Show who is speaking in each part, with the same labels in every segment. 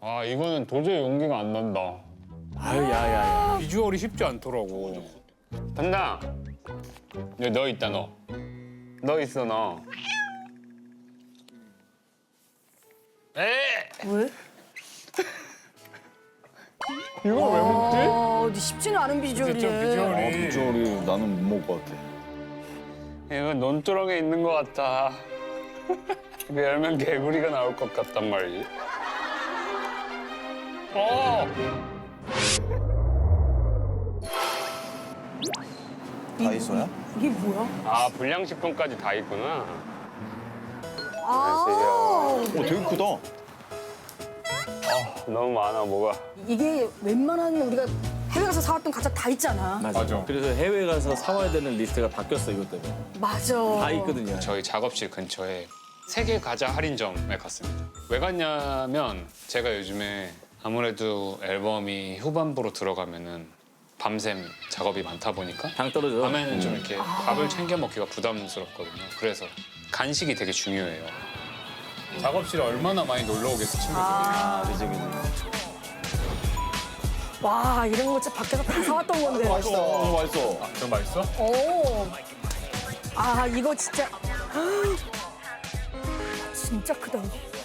Speaker 1: 아 이거는 도저히 용기가 안 난다.
Speaker 2: 아유 야야야.
Speaker 1: 비주얼이 쉽지 않더라고. 간다. 여기 너 있다 너. 너 있어 너. 에?
Speaker 3: 왜?
Speaker 1: 이걸 왜 먹지?
Speaker 3: 근데 쉽지는 않은 비주얼이네.
Speaker 1: 진짜 비주얼이.
Speaker 4: 비주얼이 나는 못 먹을 것 같아.
Speaker 1: 이거 논두렁에 있는 것 같아. 이거 열면 개구리가 나올 것 같단 말이지.
Speaker 4: 다이소야?
Speaker 3: 이게 뭐야?
Speaker 1: 아 불량식품까지 다 있구나.
Speaker 3: 아,
Speaker 4: 되게 크다.
Speaker 1: 너무 많아 뭐가.
Speaker 3: 이게 웬만한 우리가 해외 가서 사왔던 과자 다 있잖아.
Speaker 2: 맞아. 그래서 해외 가서 사와야 되는 리스트가 바뀌었어 이것 때문에.
Speaker 3: 맞아.
Speaker 2: 다 있거든요.
Speaker 1: 저희 작업실 근처에 세계 과자 할인점에 갔습니다. 왜 갔냐면 제가 요즘에 아무래도 앨범이 후반부로 들어가면은 밤샘 작업이 많다 보니까
Speaker 2: 당 떨어져.
Speaker 1: 밤에는 좀 이렇게 밥을 챙겨 먹기가 부담스럽거든요. 그래서 간식이 되게 중요해요. 작업실에 얼마나 많이 놀러 오겠어 친구들이.
Speaker 3: 와, 이런 거 진짜 밖에서 다 사왔던 건데.
Speaker 4: 맛있어. 맛있어.
Speaker 1: 좀 맛있어?
Speaker 3: 오. 아, 이거 진짜. 진짜 크다.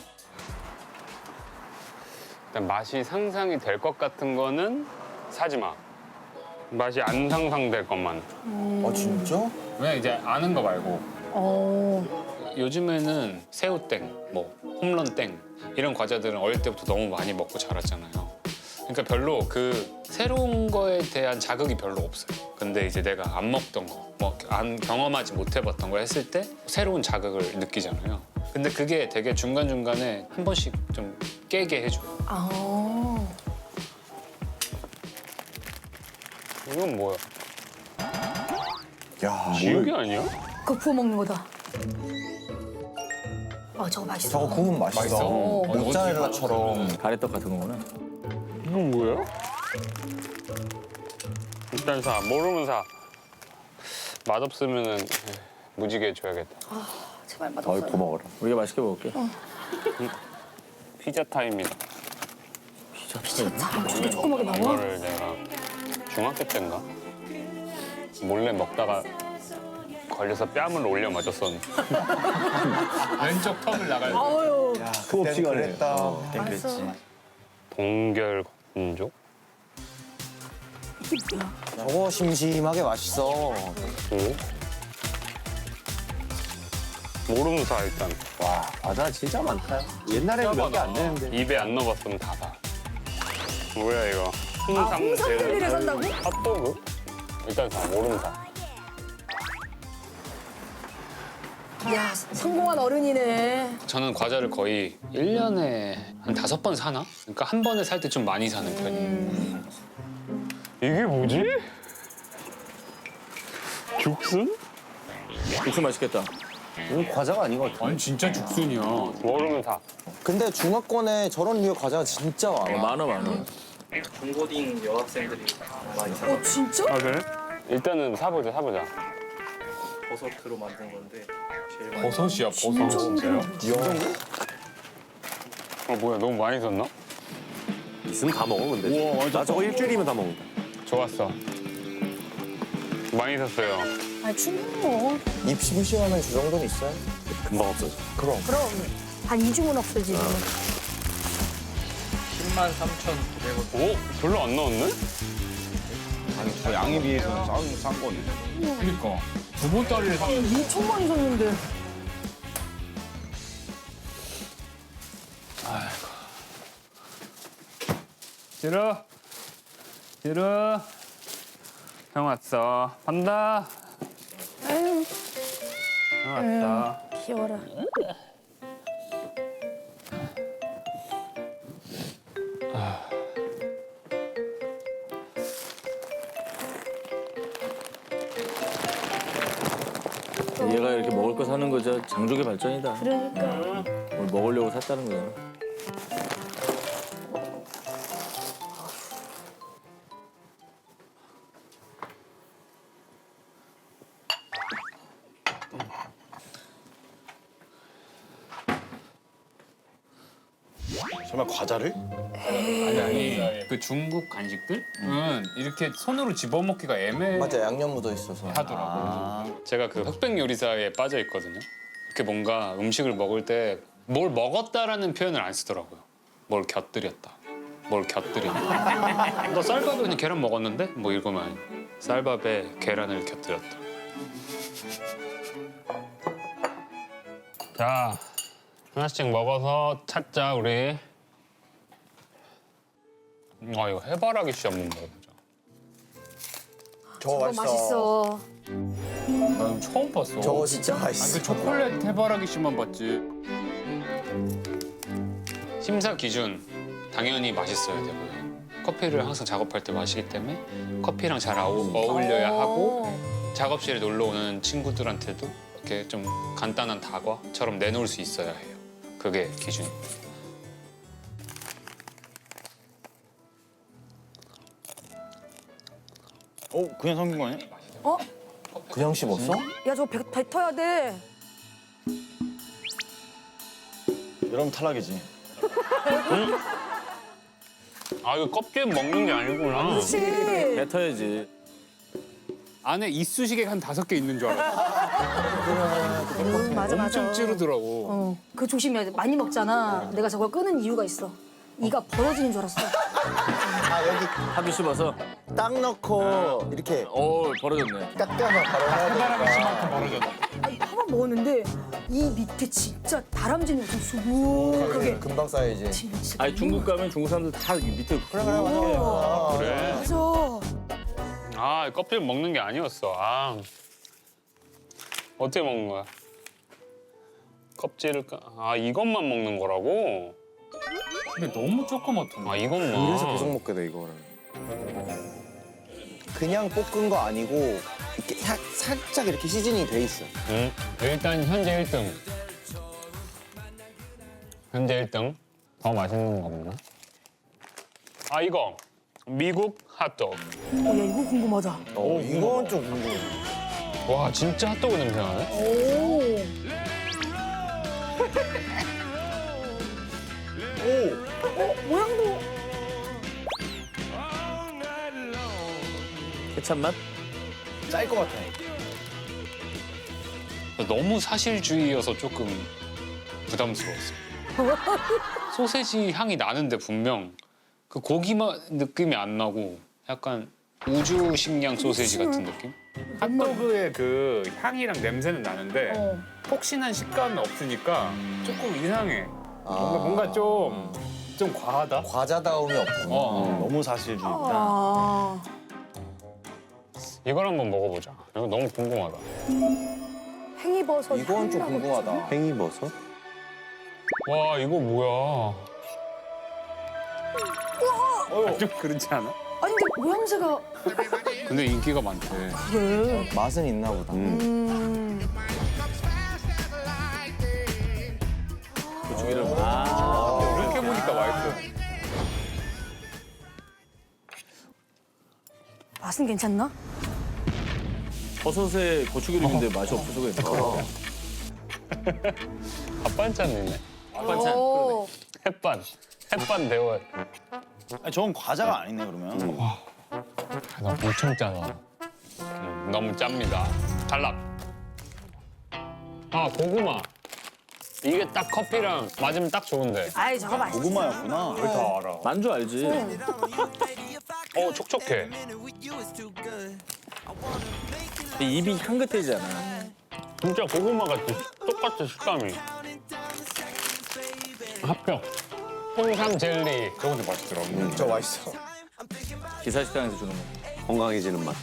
Speaker 1: 일단 맛이 상상이 될 것 같은 거는 사지 마. 맛이 안 상상될 것만.
Speaker 4: 아 진짜?
Speaker 1: 왜 이제 아는 거 말고.
Speaker 3: 어.
Speaker 1: 요즘에는 새우땡, 뭐 홈런땡 이런 과자들은 어릴 때부터 너무 많이 먹고 자랐잖아요. 그러니까 별로 그 새로운 거에 대한 자극이 별로 없어요. 근데 이제 내가 안 먹던 거, 뭐 안 경험하지 못해봤던 거 했을 때 새로운 자극을 느끼잖아요. 근데 그게 되게 중간중간에 한 번씩 좀 깨게 해줘요.
Speaker 3: 아.
Speaker 1: 이건 뭐야?
Speaker 4: 야,
Speaker 1: 지우개 아니야?
Speaker 3: 그거 부어 먹는 거다. 저거 맛있어.
Speaker 4: 저거 구우면 맛있어.
Speaker 1: 맛있어?
Speaker 4: 모짜렐라처럼.
Speaker 2: 가래떡 같은 거구나.
Speaker 1: 이건 뭐야? 일단 사. 모르면 사. 맛없으면은 무지개 줘야겠다.
Speaker 3: 제발
Speaker 4: 어이
Speaker 3: 맛없어.
Speaker 4: 고마워라.
Speaker 2: 우리가 맛있게 먹을게.
Speaker 1: 피자 타임이다.
Speaker 3: 저렇게 조그맣게 나와?
Speaker 1: 이거를 내가 중학교 때인가 몰래 먹다가 걸려서 뺨을 올려 맞았었는데 왼쪽 턱을 나갈
Speaker 3: 아유.
Speaker 4: 수업 시간에 했다.
Speaker 3: 알았어.
Speaker 1: 동결 건조?
Speaker 4: 저거 심심하게 맛있어.
Speaker 1: 오? 모르는 사 일단
Speaker 4: 와, 과자 진짜 많다. 옛날에는 몇 개 안 되는데.
Speaker 1: 입에 안 넣어봤으면 다 봐. 뭐야 이거?
Speaker 3: 홍삼젤리를 산다고?
Speaker 1: 핫도그? 일단 사. 모르는 사.
Speaker 3: 이야, 성공한 어른이네.
Speaker 1: 저는 과자를 거의 1년에 한 5번 사나? 그러니까 한 번에 살 때 좀 많이 사는 편이에요. 이게 뭐지? 죽순?
Speaker 2: 육수 맛있겠다.
Speaker 4: 이건 과자가 아닌 것 같아.
Speaker 1: 아니 진짜 죽순이야. 모르면 사.
Speaker 4: 근데 중화권에 저런 류의 과자가 진짜 많아.
Speaker 2: 많아.
Speaker 5: 중고딩 여학생들이 많이 사
Speaker 3: 진짜?
Speaker 1: 아 그래? 일단은 사보자.
Speaker 5: 버섯으로 만든 건데 제일 많이
Speaker 1: 버섯이야 버섯. 진짜요? 뭐야 너무 많이 샀나?
Speaker 4: 있으면 다 먹으면 돼. 나 저거 일주일이면 다 먹는다.
Speaker 1: 좋았어. 많이 샀어요.
Speaker 3: 아니, 충분히 뭐.
Speaker 4: 입 심심하면 저 정도는 있어요. 금방 없어져. 그럼.
Speaker 3: 그럼 한 2주면 없어지지.
Speaker 5: 103,900원
Speaker 1: 오? 별로 안 나왔네?
Speaker 4: 저 양에 비해서는 싼 거네.
Speaker 1: 그니까. 두 보따리를 사.
Speaker 3: 2천 많이 샀는데.
Speaker 1: 지루. 형 왔어. 간다.
Speaker 3: 아유,
Speaker 1: 형 왔다.
Speaker 3: 귀여워라.
Speaker 2: 얘가 이렇게 먹을 거 사는 거 저 장족의 발전이다.
Speaker 3: 그러니까.
Speaker 2: 뭘 먹으려고 샀다는 거잖아.
Speaker 6: 정말 과자를?
Speaker 1: 아니 그 중국 간식들은 이렇게 손으로 집어먹기가 애매하더라고요.
Speaker 7: 맞아, 양념 묻어 있어서.
Speaker 1: 제가 그 흑백 요리사에 빠져 있거든요. 이렇게 뭔가 음식을 먹을 때 뭘 먹었다라는 표현을 안 쓰더라고요. 뭘 곁들였다. 뭘 곁들였다. 너 쌀밥에 그냥 계란 먹었는데? 뭐 이거만 아니고. 쌀밥에 계란을 곁들였다. 자, 하나씩 먹어서 찾자 우리. 이거 해바라기 씨 한번 먹어보자.
Speaker 7: 저거
Speaker 3: 저거
Speaker 7: 맛있어.
Speaker 3: 맛있어.
Speaker 1: 나 이거 처음 봤어.
Speaker 7: 저거 진짜
Speaker 1: 그
Speaker 7: 맛있어.
Speaker 1: 초콜릿 해바라기 씨만 봤지. 심사 기준 당연히 맛있어야 되고요. 커피를 항상 작업할 때 마시기 때문에 커피랑 잘 어울려야 하고 작업실에 놀러 오는 친구들한테도 이렇게 좀 간단한 다과처럼 내놓을 수 있어야 해요. 그게 기준입니다.
Speaker 6: 그냥 삼긴 거 아니야?
Speaker 3: 어?
Speaker 7: 그냥 씹었어?
Speaker 3: 야 저거 뱉어야 돼.
Speaker 6: 이러면 탈락이지.
Speaker 1: 아 이거 껍질 먹는 게 아니구나.
Speaker 3: 그렇지.
Speaker 2: 뱉어야지.
Speaker 1: 안에 이쑤시개 한 5개 있는 줄 알았어.
Speaker 3: 맞아 맞아.
Speaker 1: 엄청 찌르더라고.
Speaker 3: 그거 조심해야 돼. 많이 먹잖아. 내가 저걸 끄는 이유가 있어. 이가 벌어지는 줄 알았어.
Speaker 7: 아, 여기
Speaker 2: 하기 씹어서.
Speaker 7: 딱 넣고 이렇게
Speaker 2: 벌어졌네.
Speaker 7: 딱 떼어서 바로 해야 되니까.
Speaker 3: 아니 파만 먹었는데 이 밑에 진짜 다람쥐는 좀 수북하게.
Speaker 7: 금방 쌓여야지.
Speaker 3: 진짜.
Speaker 2: 아니 중국 가면 중국 사람들 다 밑에
Speaker 7: 그래, 맞아.
Speaker 1: 그래.
Speaker 3: 맞아.
Speaker 1: 아 껍질 먹는 게 아니었어. 아 어떻게 먹는 거야? 껍질을 아 이것만 먹는 거라고? 근데 너무 조그맣던데. 아 이것만.
Speaker 4: 그래서 계속 먹게 돼 이거를.
Speaker 7: 그냥 볶은 거 아니고 이렇게 살짝 이렇게 시즈닝이 돼 있어.
Speaker 1: 응. 일단 현재 1등. 현재 1등. 더 맛있는 거 없나? 아 이거 미국 핫도그.
Speaker 3: 야 이거 궁금하다.
Speaker 7: 이건 좀 궁금해.
Speaker 1: 와 진짜 핫도그 냄새 나네.
Speaker 3: 오. 모양도.
Speaker 2: 케찹 맛?
Speaker 7: 짤 것 같아.
Speaker 1: 너무 사실주의여서 조금 부담스러웠어. 소세지 향이 나는데 분명 그 고기만 느낌이 안 나고 약간 우주 식량 소세지 같은 느낌? 핫도그의 그 향이랑 냄새는 나는데 폭신한 식감이 없으니까 조금 이상해. 뭔가 좀 과하다.
Speaker 7: 과자다움이 없고.
Speaker 6: 너무 사실주의다.
Speaker 3: 아.
Speaker 1: 이걸 한번 먹어보자. 이거 너무 궁금하다.
Speaker 3: 팽이버섯.
Speaker 7: 이건 좀 궁금하다.
Speaker 4: 팽이버섯?
Speaker 1: 와 이거 뭐야? 좀 그렇지 않아?
Speaker 3: 아니 근데 모양새가
Speaker 1: 근데 인기가 많대.
Speaker 3: 그래.
Speaker 7: 맛은 있나 보다.
Speaker 2: 고추기름.
Speaker 1: 이렇게 보니까 맛있어.
Speaker 3: 맛은 괜찮나?
Speaker 2: 버섯에 고추기름인데 맛이 없어서 그래.
Speaker 1: 밥반찬이네.
Speaker 2: 반찬.
Speaker 3: 오.
Speaker 1: 햇반 데워.
Speaker 6: 아니, 저건 과자가 아니네 그러면.
Speaker 1: 나 엄청 짜다. 너무 짭니다. 탈락. 아 고구마. 이게 딱 커피랑 맞으면 딱 좋은데.
Speaker 3: 아이 저거 맛있어.
Speaker 6: 고구마였구나.
Speaker 1: 왜 다 알아?
Speaker 2: 만주 알지?
Speaker 1: 촉촉해.
Speaker 2: 입이 향긋해지잖아.
Speaker 1: 진짜 고구마 같아. 똑같아 식감이. 합격. 홍삼 젤리. 저것도 맛있더라고.
Speaker 7: 저 맛있어.
Speaker 2: 기사식당에서 주는 거.
Speaker 4: 건강해지는 맛.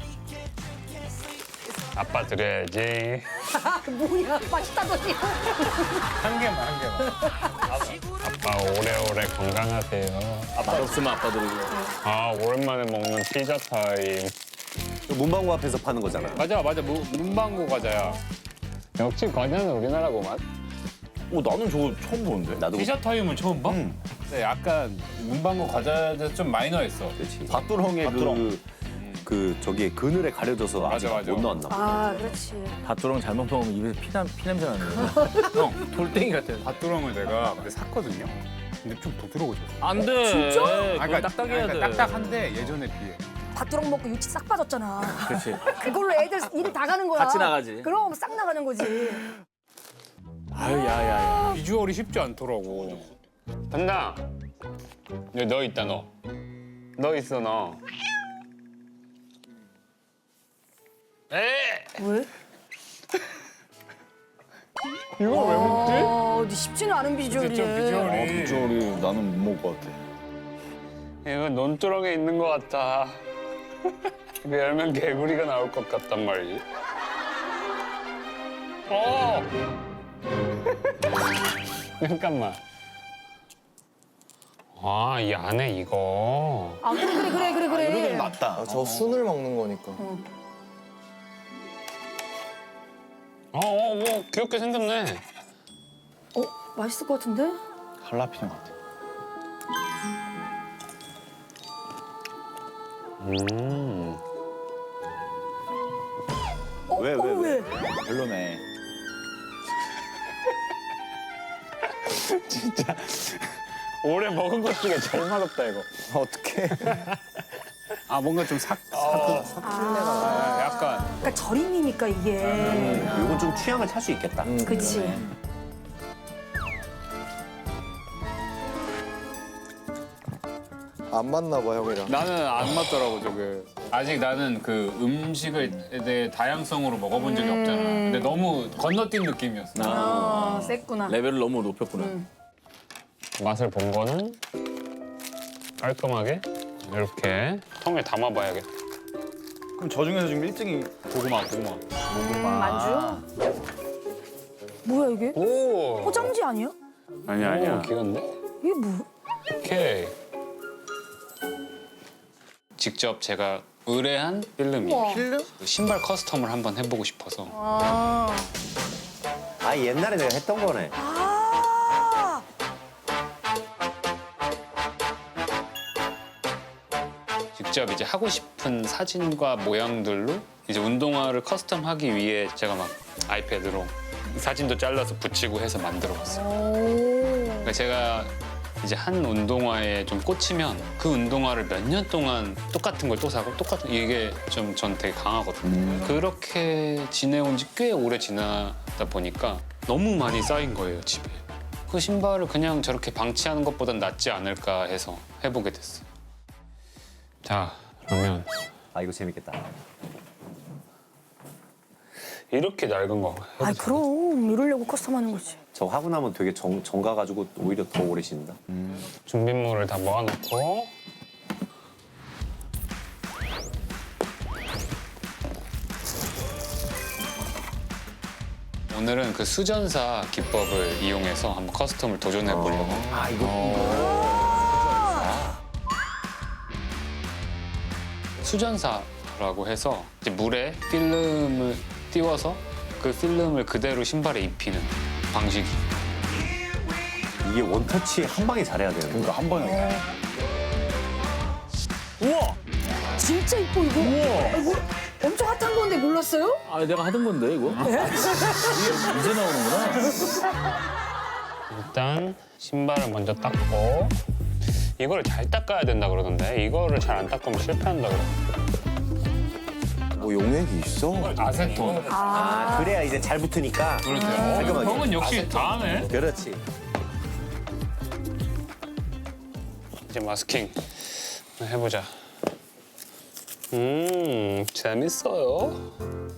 Speaker 1: 아빠 드려야지.
Speaker 3: 뭐야 맛있다더니.
Speaker 1: 한 개만. 아빠 오래오래 건강하세요.
Speaker 2: 맛없으면 아빠 드리고.
Speaker 1: 아 오랜만에 먹는 피자 타임.
Speaker 4: 문방구 앞에서 파는 거잖아.
Speaker 1: 맞아. 문방구 과자야. 역시 과자는 우리나라고만.
Speaker 6: 나는 저거 처음 보는데.
Speaker 4: 나도
Speaker 1: 피자 타임은 처음 봐? 근데 약간 문방구 과자에서 좀 마이너했어.
Speaker 4: 그렇지. 밭두렁에
Speaker 6: 밭두렁.
Speaker 4: 그 저기 그늘에 가려져서 아직
Speaker 1: 맞아.
Speaker 4: 못 나왔나 봐.
Speaker 3: 아 그렇지.
Speaker 2: 밭두렁 잘못 먹으면 입에서 피냄새 나는 거야. 형, 돌덩이 같아.
Speaker 1: 밭두렁을 내가 그때 샀거든요. 근데 좀 부드러워져.
Speaker 2: 안 돼.
Speaker 3: 진짜?
Speaker 2: 그건 딱딱해야 돼.
Speaker 1: 딱딱한데 예전에 비해.
Speaker 3: 밭두렁 먹고 유치 싹 빠졌잖아.
Speaker 2: 그렇지.
Speaker 3: 그걸로 애들 일 다 가는 거야.
Speaker 2: 같이 나가지.
Speaker 3: 그럼 싹 나가는 거지.
Speaker 2: 아유 야야야.
Speaker 1: 비주얼이 쉽지 않더라고. 간다. 여기 너 있다 너. 너 있어 너. 에?
Speaker 3: 왜?
Speaker 1: 이걸 왜 먹지?
Speaker 3: 근데 쉽지는 않은 비주얼이에.
Speaker 1: 진짜 비주얼이.
Speaker 6: 비주얼이 나는 못 먹을 것 같아.
Speaker 1: 이거 논두렁에 있는 것 같아. 이거 열면 개구리가 나올 것 같단 말이지. 잠깐만. 아, 이 안에 이거.
Speaker 3: 아 그래.
Speaker 6: 이게 낫다.
Speaker 7: 아, 저 순을 먹는 거니까.
Speaker 1: 뭐 귀엽게 생겼네.
Speaker 3: 맛있을 것 같은데?
Speaker 6: 할라피뇨 같아.
Speaker 7: 왜?
Speaker 6: 별로네.
Speaker 1: 올해 먹은 것 중에 제일 맛없다 이거.
Speaker 7: 어떻게?
Speaker 1: 아 뭔가 좀 약간
Speaker 3: 그러니까 절임이니까 이게.
Speaker 4: 이건 좀 취향을 탈 수 있겠다.
Speaker 3: 그치.
Speaker 7: 안 맞나 봐 형이랑.
Speaker 1: 나는 안 맞더라고 저게. 아직 나는 그 음식에 대해 다양성으로 먹어본 적이 없잖아. 근데 너무 건너뛴 느낌이었어.
Speaker 3: 셌구나.
Speaker 2: 레벨을 너무 높였구나.
Speaker 1: 맛을 본 거는 깔끔하게 이렇게 통에 담아봐야겠다.
Speaker 6: 그럼 저 중에서 지금 1등이
Speaker 1: 고구마.
Speaker 3: 만주? 뭐야 이게?
Speaker 1: 오.
Speaker 3: 포장지 아니야?
Speaker 1: 아니야. 귀여운데?
Speaker 3: 이게 뭐?
Speaker 1: 오케이. 직접 제가 의뢰한 필름이에요.
Speaker 3: 필름?
Speaker 1: 신발 커스텀을 한번 해보고 싶어서.
Speaker 3: 아.
Speaker 4: 아 옛날에 내가 했던 거네.
Speaker 3: 아.
Speaker 1: 직접 이제 하고 싶은 사진과 모양들로 이제 운동화를 커스텀하기 위해 제가 막 아이패드로 사진도 잘라서 붙이고 해서 만들어봤어요. 그러니까 제가 이제 한 운동화에 좀 꽂히면 그 운동화를 몇 년 동안 똑같은 걸 또 사고 똑같은 이게 좀 전 되게 강하거든요. 그렇게 지내온 지 꽤 오래 지나다 보니까 너무 많이 쌓인 거예요, 집에. 그 신발을 그냥 저렇게 방치하는 것보단 낫지 않을까 해서 해보게 됐어요. 자, 그러면
Speaker 4: 아 이거 재밌겠다.
Speaker 1: 이렇게 낡은 거
Speaker 3: 아 그럼 이러려고 커스텀하는 거지.
Speaker 4: 저 하고 나면 되게 정가 가지고 오히려 더 오래 신다.
Speaker 1: 준비물을 다 모아놓고 오늘은 그 수전사 기법을 이용해서 한번 커스텀을 도전해 보려고.
Speaker 4: 아 이거
Speaker 1: 수전사라고 해서 이제 물에 필름을 띄워서 그 필름을 그대로 신발에 입히는 방식이.
Speaker 4: 이게 원터치 한 방에 잘해야 되는 거야.
Speaker 6: 그러니까 한 번에.
Speaker 2: 우와.
Speaker 3: 진짜 이뻐 이거. 이거 엄청 핫한 건데 몰랐어요?
Speaker 2: 아 내가 하던 건데 이거. 이제 나오는구나.
Speaker 1: 일단 신발을 먼저 닦고 이거를 잘 닦아야 된다 그러던데 이거를 잘 안 닦으면 실패한다 그래.
Speaker 7: 뭐 용액이 있어?
Speaker 1: 아세톤.
Speaker 4: 아 그래야 이제 잘 붙으니까.
Speaker 1: 그렇죠.
Speaker 4: 깔끔하게.
Speaker 1: 형은 역시 다 하네.
Speaker 4: 그렇지.
Speaker 1: 이제 마스킹 해보자. 재밌어요.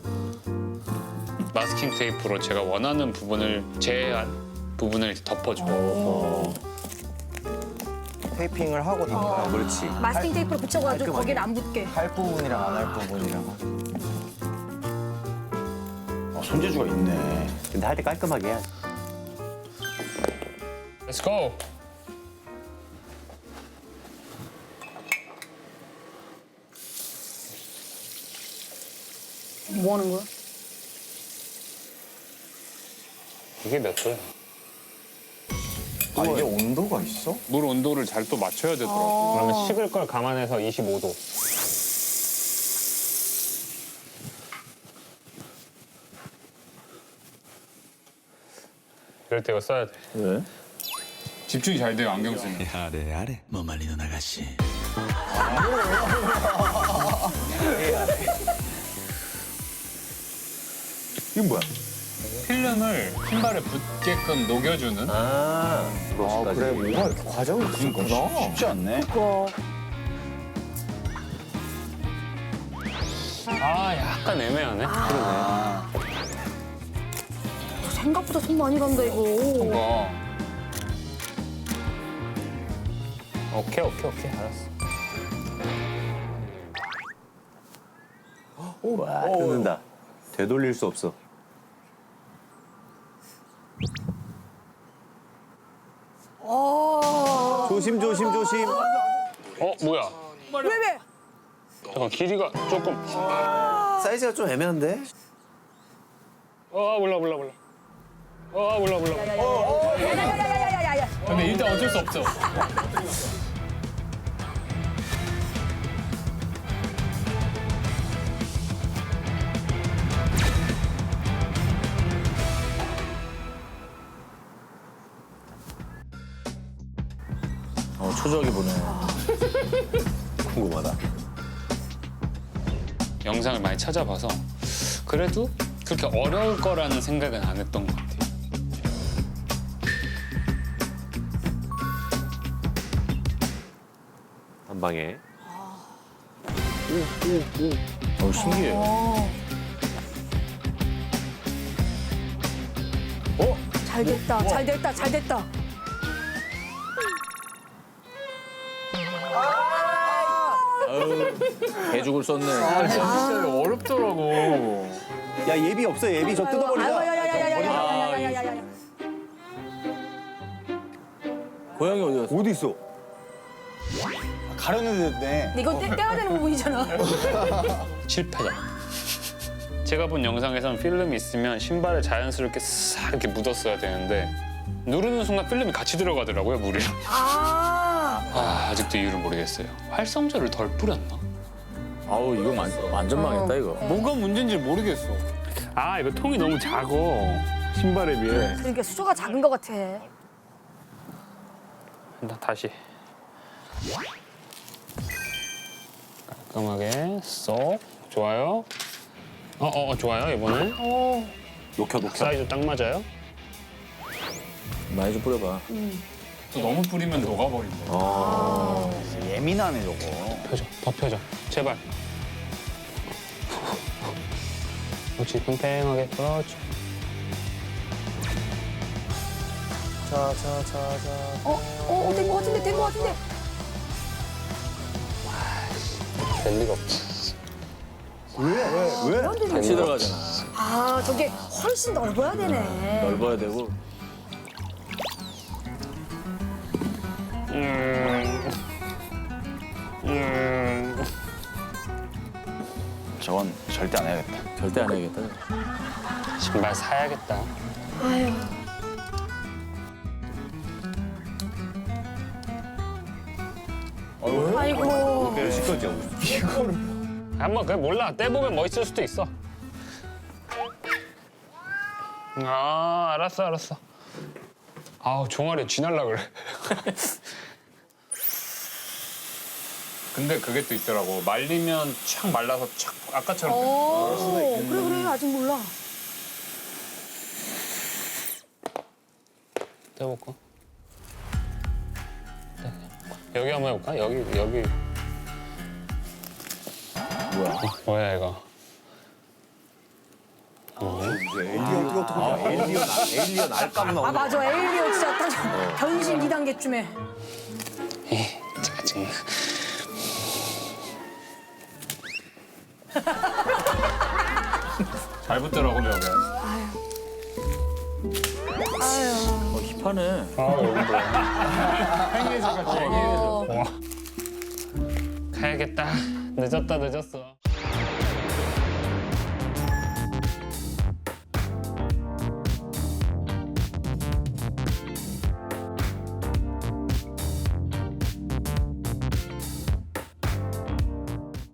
Speaker 1: 마스킹 테이프로 제가 원하는 부분을 제한 부분을 덮어줘.
Speaker 7: 테이핑을 하고 담가.
Speaker 4: 그렇지.
Speaker 3: 마스킹 테이프로 붙여가지고
Speaker 4: 깔끔하게.
Speaker 3: 거기는 안 붙게.
Speaker 7: 할 부분이랑 안 할 부분이랑.
Speaker 6: 손재주가 있네.
Speaker 4: 근데 할 때 깔끔하게 해야지.
Speaker 1: Let's go.
Speaker 3: 뭐 하는 거야?
Speaker 1: 이게 몇 도야?
Speaker 7: 아 이게 온도가 있어?
Speaker 1: 물 온도를 잘 또 맞춰야 되더라고. 그러면 식을 걸 감안해서 25도. 이럴 때 이거 써야 돼.
Speaker 2: 왜?
Speaker 1: 집중이 잘 돼요 안경 쓰면.
Speaker 8: 아래 아래 뭐 말리는 아가씨.
Speaker 6: 이건 뭐야?
Speaker 1: 필름을 신발에 붙게끔 녹여주는.
Speaker 7: 아, 그래. 뭐가 이렇게 과정이 있구나.
Speaker 6: 쉽지 않네.
Speaker 1: 아 약간 애매하네.
Speaker 3: 생각보다 손 많이 간다 이거.
Speaker 1: 이거. 오케이 알았어.
Speaker 4: 와, 뜯는다. 되돌릴 수 없어. 조심, 조심, 조심.
Speaker 1: 뭐야?
Speaker 3: 왜?
Speaker 1: 잠깐 길이가 조금.
Speaker 7: 사이즈가 좀 애매한데?
Speaker 1: 몰라.
Speaker 3: 야야야야야야야.
Speaker 1: 근데 일단 어쩔 수 없죠.
Speaker 2: 초조하게 보네.
Speaker 4: 궁금하다.
Speaker 1: 영상을 많이 찾아봐서 그래도 그렇게 어려울 거라는 생각은 안 했던 것 같아요.
Speaker 4: 한 방에.
Speaker 2: 신기해.
Speaker 3: 잘 됐다.
Speaker 2: 개죽을 썼네.
Speaker 1: 진짜 어렵더라고.
Speaker 4: 야, 예비 없어, 예비. 저 뜯어버리자.
Speaker 3: 야야야야야야야야야야야야.
Speaker 2: 고양이 어디 갔어?
Speaker 6: 어디 있어? 가려내네.
Speaker 3: 이건 떼야 되는 부분이잖아.
Speaker 1: 실패다. 제가 본 영상에서는 필름이 있으면 신발에 자연스럽게 싹 이렇게 묻었어야 되는데 누르는 순간 필름이 같이 들어가더라고요, 물이랑. 아직도 이유를 모르겠어요. 활성제를 덜 뿌렸나?
Speaker 2: 아우 이거 완전 망했다 이거.
Speaker 1: 뭐가 문제인지 모르겠어. 이거 통이 너무 작어. 신발에 비해.
Speaker 3: 그러니까 수조가 작은 것 같아.
Speaker 1: 다시. 깔끔하게 쏙. 좋아요. 좋아요 이번에.
Speaker 4: 녹혀.
Speaker 1: 사이즈 딱 맞아요.
Speaker 2: 많이 좀 뿌려봐.
Speaker 1: 또 너무 뿌리면 녹아버린대.
Speaker 6: 예민하네 저거.
Speaker 1: 더 펴줘. 제발. 그렇지, 팽팽하게. 그렇지.
Speaker 3: 된 것 같은데.
Speaker 1: 될 리가 없지.
Speaker 6: 왜?
Speaker 2: 같이 들어가잖아.
Speaker 3: 저게 훨씬 넓어야 되네.
Speaker 2: 넓어야 되고.
Speaker 6: 저건 절대 안 해야겠다.
Speaker 2: 절대 안 해야겠다.
Speaker 1: 신발 사야겠다.
Speaker 3: 아이고.
Speaker 4: 시끄럽지 하고 있어.
Speaker 1: 한번 그냥 몰라. 떼보면 멋있을 수도 있어. 알았어. 종아리 쥐날라 그래. 근데 그게 또 있더라고. 말리면 촥 말라서 촥 아까처럼.
Speaker 3: 그래 아직 몰라.
Speaker 1: 떼볼까? 여기 한번 해볼까? 여기. 뭐야 이거?
Speaker 4: 에일리언 알감 나오네.
Speaker 3: 맞아. 에일리언 진짜 딱 변신 2단계쯤에.
Speaker 1: 짜증나. 잘 붙더라고 벽에.
Speaker 2: 힙하네.
Speaker 1: 여기도. 행해져 같이 행해져. 가야겠다. 늦었어.